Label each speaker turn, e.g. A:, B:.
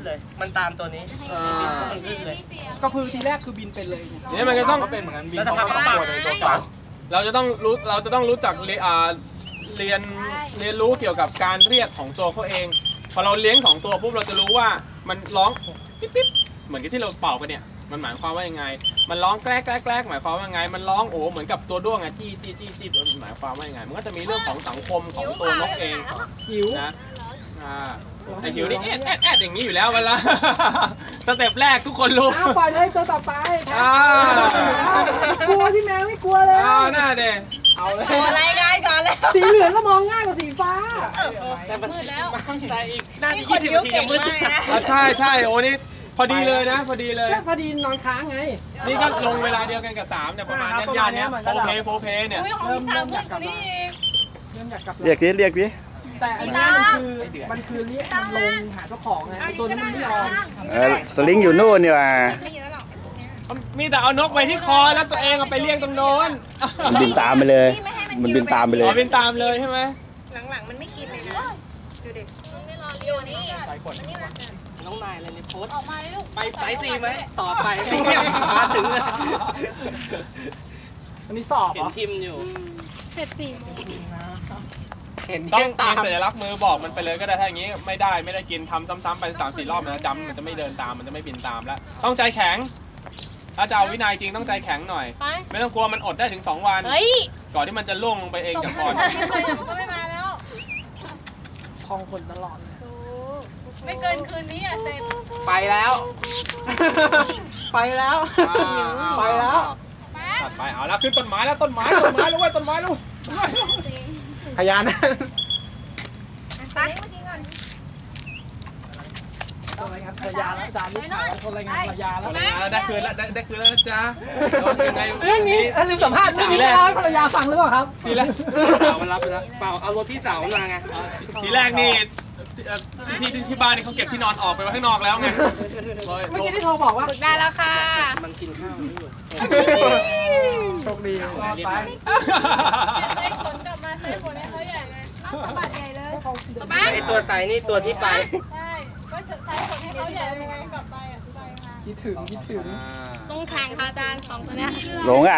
A: เลยมันตามตัวนี้มันขึ้นเลย
B: ก็คือทีแรกคือบินเป็นเลย
C: นี่มันจะต้อง
D: เป็นเหมือนกันบิน
A: แล้ว
D: เขา
A: ทำ
D: ก็
A: ปา
D: ตัวในตัวเก่า
C: เราจะต้องรู้จักเรียนรู้เกี่ยวกับการเรียกของตัวเขาเองพอเราเลี้ยง2ตัวปุ๊บเราจะรู้ว่ามันร้องปิ๊บปิ๊บเหมือนกับที่เราเป่ากันเนี่ยมันหมายความว่ายังไงมันร้องแกล้กหมายความว่ายังไงมันร้องโอ้เหมือนกับตัวด้วงอะจี้หมายความว่ายังไงมันก็จะมีเรื่องของสังคมของตัวนกเอง
B: หิว
C: นะแต่หิวนี่แอดอย่างนี้อยู่แล้วเวลาสเต็ปแรกทุกคนรู้
B: ปล่อยเลยตัวต่อไปกลัวพี่แมวไม่กลัวเลย
C: น่าเด็
A: เอาเลยรายงานก่อนเลย
B: สีเหลืองก็มองง่ายกว่าสีฟ้า
A: แต่มืดแล้วแต่อีกน่าจะ20 นาทีจะมืด
C: ใช่โอ้นี่พอดีเลยนะพอดีเลย
B: พอดีนอนค้างไง
C: นี่ก็ลงเวลาเดียวกันกับ3เนี่ยประมาณนี้ยานเนี้ยโฟเพเนี่ย
B: เริ่มอยากกลับมา
D: เรียกดิ
B: แต่อันนี้มันคือเรียกมันลงหาเจ้าของไงตัวนี้มันไม่ยอม
D: สลิงอยู่นู่นนี่ว่ะ
C: มีแต่เอานกไปที่คอแล้วตัวเองเอาไปเลี้ยงตรงโน้น
D: มันบินตามไปเลยมันบินตามไปเลย
C: บินตามเลยใช่ไหม
E: หลังๆมันไม่กินเลยนะดูดิไม่รออยู่นี่
A: น้องนายอะไรในโพส
E: ออกมาเลยลูก
A: ไปสายซีไหมต่อไปมาถึงเลย
B: อันนี้สอบ
A: เห็นพิมพ์อยู่
E: เสร็จ4 โมง
A: เห็น
C: ต้องตามสัญลักษณ์มือบอกมันไปเลยก็ได้ถ้าอย่างนี้ไม่ได้กินทำซ้ำๆไป3-4 รอบนะจำมันจะไม่เดินตามมันจะไม่บินตามแล้วต้องใจแข็งถ้าจะเอาวินัยจริงต้องใจแข็งหน่อยไม่ต้องกลัวมันอดได้ถึง2 วันก่อนที่มันจะล่วงลงไปเองจากคอน
E: มันก็ไม่มาแล้ว
B: คลองคนตลอด
E: ไม่เกินคืนนี้เสร็จ
A: ไปแล้วไปแล้ว
C: ไปเอาแล้วขึ้นต้นไม้แล้วต้นไม้แล้วเว้ยต้นไม้แล้ว
D: พยานนะ
E: ไปเมื่อกี้ก่อน
B: รายงานภรรยาแล้วจานนี้ถ่ายคนรายงานภรรยาแล้ว
C: ได้คืนแล้วนะจ๊ะยังไง
B: เรื่องนี้ลืมสัมภาษณ์เรื่องนี้แล้วภรรยาฟังหรือเปล่าครับ
C: ทีแรก
A: สาวมันรับไปแล้วเปล่าเอารถพี่สาวมาไง
C: ทีแรกนี่ที่บ้านนี่เขาเก็บที่นอนออกไปไว้ข้างนอกแล้วไง
B: เมื่อกี้ที่โทรบอกว่า
E: ได้แล้วค่ะ
A: มันกินข้าวไม่หยุด
B: โชคดีไป
E: ใช้ขนกลับมาใช้ขนให้เขาใหญ่เลยสะบัดใหญ่เลย
A: ไอตัวใสนี่ตัวที่ไป
E: ใช่ก็ใช้ขนให้เขาใหญ่ยังไงกลับไปไปค่ะ
B: คิดถึง
E: ต้องแข่งค่ะอาจารย์2 ตัวเนี้ย
D: หลงอ่ะ